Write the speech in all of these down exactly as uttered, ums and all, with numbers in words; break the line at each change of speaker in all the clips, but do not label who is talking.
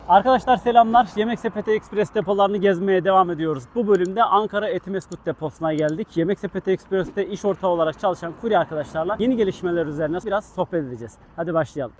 Arkadaşlar selamlar. Yemek Sepeti Express depolarını gezmeye devam ediyoruz. Bu bölümde Ankara Etimesgut deposuna geldik. Yemek Sepeti Express'te iş ortağı olarak çalışan kurye arkadaşlarla yeni gelişmeler üzerine biraz sohbet edeceğiz. Hadi başlayalım.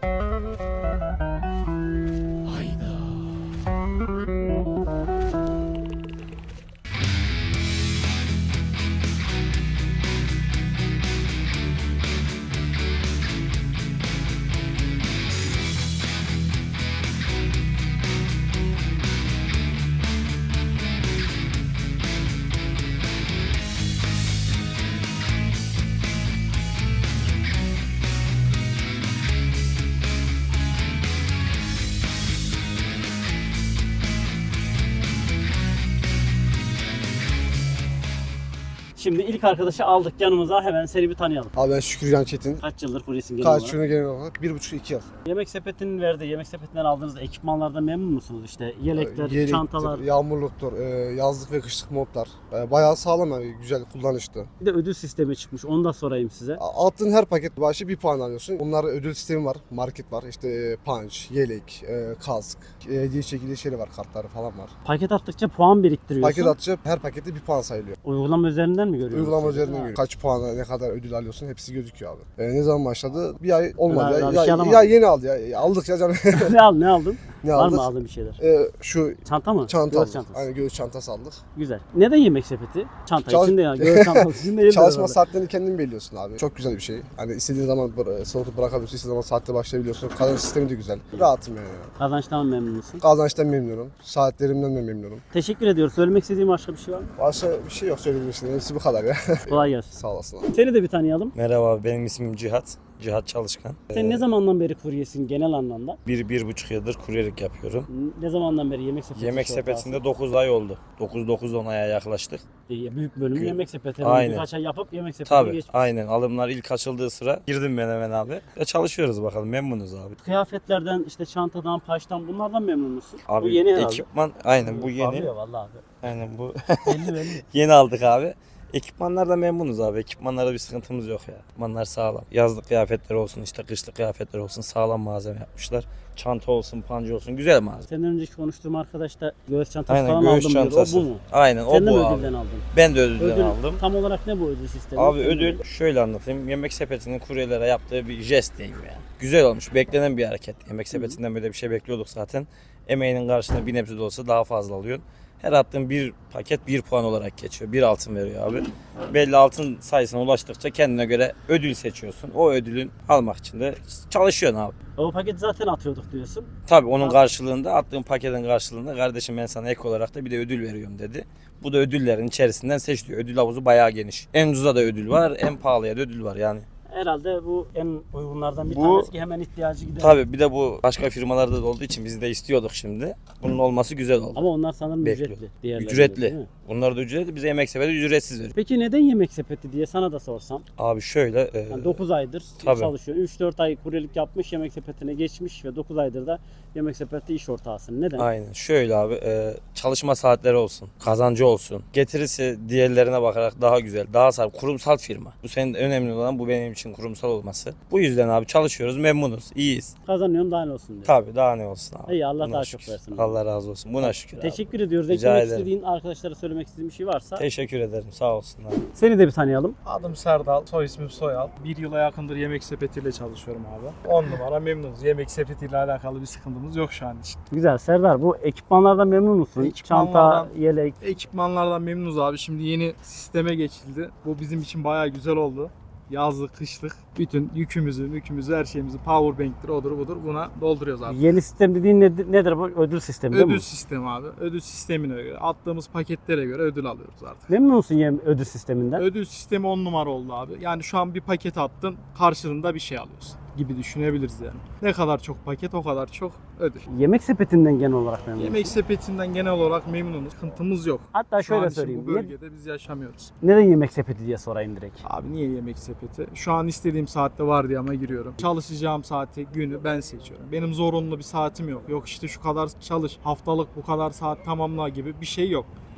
Şimdi ilk arkadaşı aldık yanımıza. Hemen seni bir tanıyalım.
Abi ben Şükür Can Çetin.
Kaç yıldır kuryesin genel olarak?
Kaç yıldır genel olarak? Bir buçuk iki yıl.
Yemek Sepeti'nin verdiği, Yemek Sepeti'nden aldığınız ekipmanlardan memnun musunuz? İşte yelekler,
Yelektir,
çantalar.
yağmurluktur, e, yazlık ve kışlık montlar. E, bayağı sağlam yani, güzel kullanışlı.
Bir de ödül sistemi çıkmış. Onu da sorayım size.
A- Attığın her paket başı bir puan alıyorsun. Onlarda ödül sistemi var, market var. İşte e, punch, yelek, e, kask, e, hediye şekilde şeyleri var, kartları falan var.
Paket attıkça puan biriktiriyorsun.
Paket atınca her pakette bir puan sayılıyor.
Uygulama üzerinden mi görüyorsun?
Uygulama üzerinden görüyor. Kaç puana ne kadar ödül alıyorsun hepsi gözüküyor abi. E, ne zaman başladı? Bir ay olmadı.
Daha-
Ya,
daha bir
ya,
şey alamadım.
ya yeni aldı ya. ya. Aldık ya canım.
ne aldın? Ne aldın?
Ne
Var
aldık?
mı aldığın bir şeyler?
E, şu
Çanta mı?
çanta
Göğüs
aldık.
çantası.
Aynen, göğüs çantası aldık.
Güzel. Neden Yemek Sepeti? Çanta
Çalış-
içinde ya. Göğüs çantası içinde değil.
Çalışma
herhalde.
saatlerini kendin belirliyorsun abi. Çok güzel bir şey. Hani istediğin zaman bıra- soğutup bırakabiliyorsun, istediğin zaman saatte başlayabiliyorsun. Kazanç sistemi de güzel. Rahatım yani.
Kazançtan memnun musun?
Kazançtan memnunum. Saatlerimden de memnunum.
Teşekkür ediyoruz. Söylemek istediğin başka bir şey var mı?
Başka bir şey yok söylediğim için. Hepsi bu kadar ya.
Kolay gelsin.
Sağ olasın abi.
Seni de bir tanıyalım.
Merhaba abi, benim ismim Cihat. Cihat Çalışkan.
Sen ne zamandan beri kuryesin genel anlamda?
Bir, bir buçuk yıldır kuryelik yapıyorum.
Ne zamandan beri Yemek Sepeti?
Yemek
iş
sepetinde dokuz ay oldu. dokuz dokuz on aya yaklaştık.
ortağı? Büyük bölümü
Gü-
Yemek Sepeti.
Aynen.
Birkaç ay yapıp Yemek Sepeti'ne
Tabii
geçmiş.
aynen, alımlar ilk açıldığı sıra girdim ben hemen abi. Ve çalışıyoruz bakalım, memnunuz abi.
Kıyafetlerden, işte çantadan, paçtan bunlardan memnun musun?
Abi
bu yeni herhalde.
ekipman aynen bu yeni.
Parlıyor vallahi abi.
Aynen bu
Belli belli.
yeni aldık abi. Ekipmanlardan memnunuz abi. Ekipmanlarda bir sıkıntımız yok ya. Ekipmanlar sağlam. Yazlık kıyafetler olsun, işte kışlık kıyafetler olsun, sağlam malzeme yapmışlar. Çanta olsun, pancı olsun, güzel malzeme.
Senden önceki konuştuğum arkadaş da göğüs çantası
Aynen,
falan
göğüs
aldım diyordu.
çantası.
O bu mu?
Aynen o
Sen de
bu
mi
abi.
ödülden aldın?
Ben de ödülden
Ödül,
aldım.
tam olarak ne bu ödül sistemi?
Abi
Sen de-
ödül şöyle anlatayım. Yemek sepetinin kuryelere yaptığı bir jest diyeyim yani. Güzel olmuş. Beklenen bir hareket. Yemek sepetinden böyle bir şey bekliyorduk zaten. Emeğinin karşılığında bir nebze de olsa daha fazla alıyorsun. Her attığın bir paket bir puan olarak geçiyor. Bir altın veriyor abi. Belli altın sayısına ulaştıkça kendine göre ödül seçiyorsun. O ödülün almak için de çalışıyorsun abi.
O paket zaten atıyorduk diyorsun.
Tabii onun karşılığında, attığın paketin karşılığında kardeşim ben sana ek olarak da bir de ödül veriyorum dedi. Bu da ödüllerin içerisinden seç diyor. Ödül havuzu bayağı geniş. En ucuza da ödül var, en pahalıya da ödül var yani.
Herhalde bu en uygunlardan bir
Bu-
tanesi ki hemen ihtiyacı gider.
Tabii bir de bu başka firmalarda da olduğu için biz de istiyorduk şimdi. Bunun olması güzel oldu.
Ama onlar sanırım
Bekliyor.
ücretli. Diğerleri
Ücretli.
değil mi?
Bunlar da ücretli. Bize yemek sepeti ücretsiz veriyor.
Peki neden Yemek Sepeti diye sana da sorsam.
Abi şöyle. E,
Yani dokuz aydır
tabii.
çalışıyor. üç dört ay kuryelik yapmış, Yemek Sepeti'ne geçmiş ve dokuz aydır da Yemek Sepeti iş ortağısın. Neden?
Aynen. Şöyle abi. e, çalışma saatleri olsun. Kazancı olsun. Getirisi diğerlerine bakarak daha güzel. Daha sağlam. Kurumsal firma. Bu senin önemli olan bu benim için kurumsal olması. Bu yüzden abi çalışıyoruz. Memnunuz. İyiyiz.
Kazanıyorum daha ne olsun diyor.
Tabii daha ne olsun abi.
İyi, Allah
Buna
daha
şükür.
çok versin.
Allah razı olsun. Buna şükür abi.
Teşekkür ediyoruz.
Rica
Eklemek
ederim.
istediğin, arkadaşlara söylemek istediğin bir şey varsa.
Teşekkür ederim. Sağ olsun abi.
Seni de bir tanıyalım.
Adım Serdal, soy ismim Soyal. Bir yıla yakındır Yemek Sepeti'yle çalışıyorum abi. on numara memnunuz. Yemek Sepeti'yle alakalı bir sıkıntımız yok şu an için.
Güzel. Serdar, bu ekipmanlardan memnun musun? Çanta,
Ekipmanlardan-
yelek.
Ekipmanlardan memnunuz abi. Şimdi yeni sisteme geçildi. Bu bizim için bayağı güzel oldu. Yazlık, kışlık bütün yükümüzü, mükümüzü, her şeyimizi powerbank'tir, odur budur buna dolduruyoruz abi.
Yeni sistem dediğin nedir, nedir bu? Ödül sistemi değil
Ödül
mi?
sistemi abi. Ödül sistemine göre, attığımız paketlere göre ödül alıyoruz artık.
Memnun musun yem- ödül sisteminden?
Ödül sistemi on numara oldu abi. Yani şu an bir paket attın, karşılığında bir şey alıyorsun gibi düşünebiliriz yani. Ne kadar çok paket o kadar çok ödül.
Yemek Sepeti'nden genel olarak memnun
Yemek
musun?
sepetinden genel olarak memnunuz. Sıkıntımız yok.
Hatta
Şu an
şöyle
için
söyleyeyim.
bu
Ne-
bölgede biz yaşamıyoruz.
neden Yemek Sepeti diye sorayım direkt.
Abi niye yemek sepeti? Şu an istediğim saatte vardiyama giriyorum. Çalışacağım saati, günü ben seçiyorum. Benim zorunlu bir saatim yok. Yok işte şu kadar çalış, haftalık bu kadar saat tamamla gibi bir şey yok.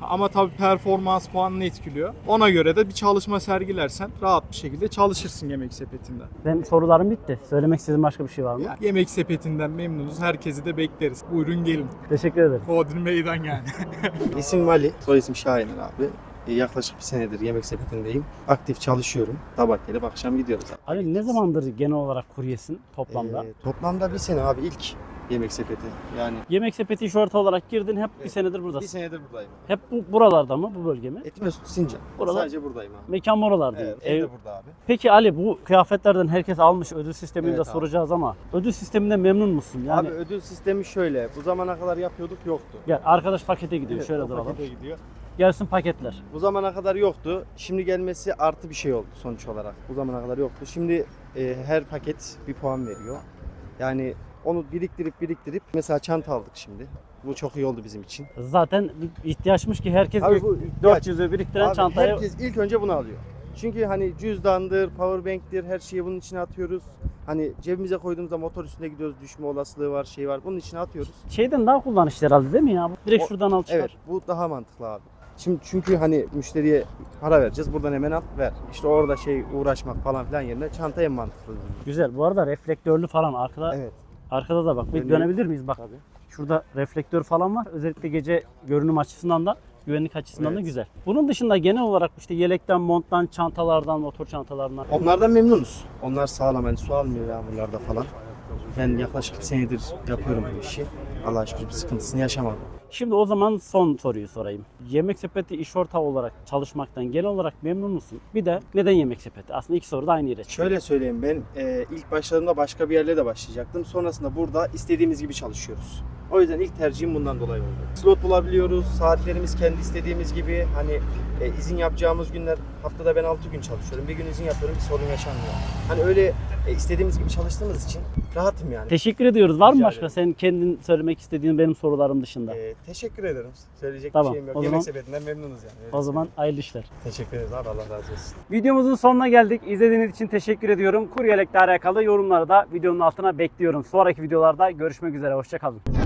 Ama tabii performans puanını etkiliyor. Ona göre de bir çalışma sergilersen rahat bir şekilde çalışırsın Yemek Sepeti'nde.
Benim sorularım bitti. Söylemek istediğin başka bir şey var mı?
Yani Yemek Sepeti'nden memnunuz. Herkesi de bekleriz. Buyurun gelin.
Teşekkür ederim.
Hodri meydan yani.
İsim Vali, soy isim Şahiner abi. E, Yaklaşık bir senedir Yemek Sepeti'ndeyim. Aktif çalışıyorum. Sabah gelip akşam gidiyoruz abi.
Ali ne zamandır genel olarak kuryesin toplamda?
E, toplamda bir sene abi ilk Yemek Sepeti. Yani
Yemek Sepeti iş ortağı olarak girdin, hep bir senedir buradasın.
bir senedir buradayım abi.
Hep bu buralarda mı, bu bölge mi?
Etimesgut Sincan.
Burada-
Sadece buradayım abi.
Mekan oralar değil.
Evet, ev
Ev-
de burada abi.
Peki Ali, bu kıyafetlerden herkes almış, ödül sistemini
Evet
de
abi.
soracağız ama ödül sisteminden memnun musun? Yani
Abi ödül sistemi şöyle. Bu zamana kadar yapıyorduk, yoktu.
gel arkadaş pakete gidiyor,
Evet,
şöyle
o
duralım.
pakete gidiyor.
Gelsin paketler.
Bu zamana kadar yoktu. Şimdi gelmesi artı bir şey oldu sonuç olarak. Bu zamana kadar yoktu. Şimdi e, her paket bir puan veriyor. Yani onu biriktirip biriktirip mesela çanta aldık şimdi. Bu çok iyi oldu bizim için.
Zaten bir ihtiyaçmış ki herkes
Abi
ilk
bu
dört yüzü biriktiren
Abi
çantayı
herkes ilk önce bunu alıyor. Çünkü hani cüzdandır, powerbank'tir, her şeyi bunun içine atıyoruz. Hani cebimize koyduğumuzda motor üstünde gidiyoruz, düşme olasılığı var, şey var. Bunun içine atıyoruz.
şeyden daha kullanışlı herhalde değil mi ya? Direkt
O-
şuradan al çıkar.
Evet, bu daha mantıklı abi. Şimdi çünkü hani müşteriye para vereceğiz, buradan hemen al, ver. İşte orada şey uğraşmak falan filan yerine çanta en mantıklı.
Güzel. Bu arada reflektörlü falan arkada
Evet.
arkada da bak. Bir
Dönüyor.
dönebilir miyiz bak.
Tabii.
Şurada reflektör falan var. Özellikle gece görünüm açısından da güvenlik açısından da
Evet.
güzel. Bunun dışında genel olarak işte yelekten, monttan, çantalardan, motor çantalarından.
Onlardan memnunuz. Onlar sağlam, hani su almıyor yağmurlarda falan. Ben yaklaşık bir senedir yapıyorum bu işi. Allah'a şükür bir sıkıntısını yaşamadım.
Şimdi o zaman son soruyu sorayım. Yemek Sepeti iş ortağı olarak çalışmaktan genel olarak memnun musun? Bir de neden Yemek Sepeti? Aslında iki soru da aynı yere çıkıyor.
Şöyle söyleyeyim, ben e, ilk başladığımda başka bir yerle de başlayacaktım. Sonrasında burada istediğimiz gibi çalışıyoruz. O yüzden ilk tercihim bundan dolayı oldu. Slot bulabiliyoruz, saatlerimiz kendi istediğimiz gibi. Hani e, izin yapacağımız günler, haftada ben altı gün çalışıyorum. Bir gün izin yapıyorum, bir sorun yaşanmıyor. Hani öyle e, istediğimiz gibi çalıştığımız için rahatım yani.
Teşekkür ediyoruz. Var mı
Rica
başka
ederim.
senin kendin söylemek istediğin benim sorularım dışında?
E, teşekkür ederim. Söyleyecek
Tamam,
bir şeyim yok.
o
Yemek
zaman-
sepetinden memnunuz yani. Öyle
O zaman hayırlı işler.
söyleyeyim. Teşekkür ederiz abi, Allah razı olsun.
Videomuzun sonuna geldik. İzlediğiniz için teşekkür ediyorum. Kuryelekle alakalı yorumları da videonun altına bekliyorum. Sonraki videolarda görüşmek üzere. Hoşça kalın.